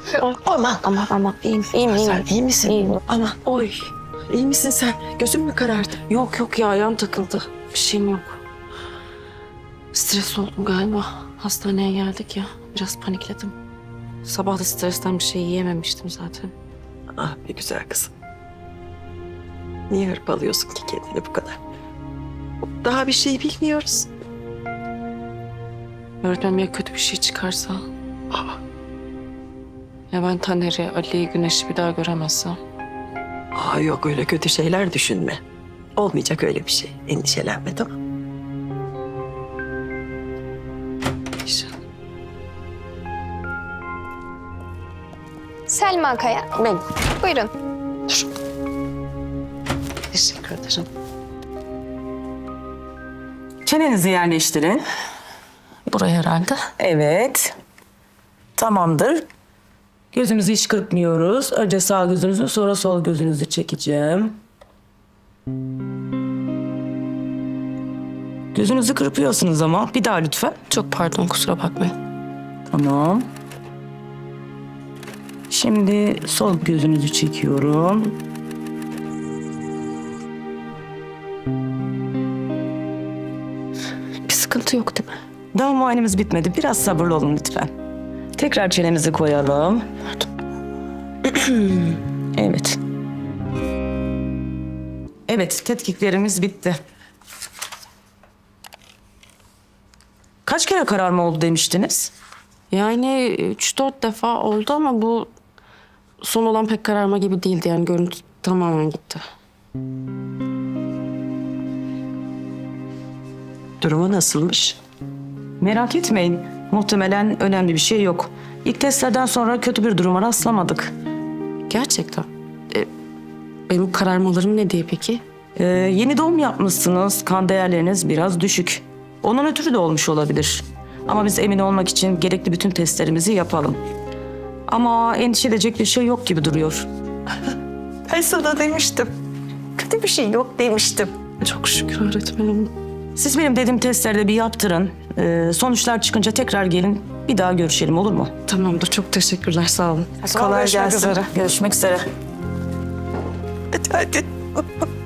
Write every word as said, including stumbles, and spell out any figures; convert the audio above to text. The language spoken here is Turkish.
Aman. Aman aman iyiyim iyiyim iyiyim. Sen iyi misin? İyiyim. Aman. Oy. İyi misin sen? Gözün mü karardı? Yok yok ya ayağım takıldı. Bir şeyim yok. Stres oldum galiba. Hastaneye geldik ya. Biraz panikledim. Sabah da stresten bir şey yiyememiştim zaten. Ah be güzel kızım. Niye hırpalıyorsun ki kendini bu kadar? Daha bir şey bilmiyoruz. Öğretmenim ya kötü bir şey çıkarsa? Ya ben Taner'i, Ali'yi, Güneş'i bir daha göremezsem? Aa, yok öyle kötü şeyler düşünme. Olmayacak öyle bir şey. Endişelenme tamam. İnşallah. Selma Kaya. Ben. Buyurun. Teşekkür ederim. Çenenizi yerleştirin. Buraya herhalde. Evet. Tamamdır. Gözümüzü hiç kırpmıyoruz. Önce sağ gözünüzü sonra sol gözünüzü çekeceğim. Gözünüzü kırpıyorsunuz ama bir daha lütfen. Çok pardon kusura bakmayın. Tamam. Şimdi sol gözünüzü çekiyorum. Bir sıkıntı yok değil mi? Daha muayenemiz bitmedi. Biraz sabırlı olun lütfen. Tekrar çenemizi koyalım. Evet. Evet, tetkiklerimiz bitti. Kaç kere kararma oldu demiştiniz? Yani üç dört defa oldu ama bu son olan pek kararma gibi değildi. Yani görüntü tamamen gitti. Durumu nasılmış? Merak etmeyin. Muhtemelen önemli bir şey yok. İlk testlerden sonra kötü bir duruma rastlamadık. Gerçekten. E, benim kararmalarım ne diye peki? Ee, yeni doğum yapmışsınız. Kan değerleriniz biraz düşük. Onun ötürü de olmuş olabilir. Ama biz emin olmak için gerekli bütün testlerimizi yapalım. Ama endişe edecek bir şey yok gibi duruyor. Ben sana demiştim. Kötü bir şey yok demiştim. Çok şükür öğretmenim. Siz benim dediğim testleri bir yaptırın. Ee, sonuçlar çıkınca tekrar gelin. Bir daha görüşelim olur mu? Tamamdır. Çok teşekkürler. Sağ olun. Kolay Görüşmek gelsin. üzere. Görüşmek üzere. Hadi hadi.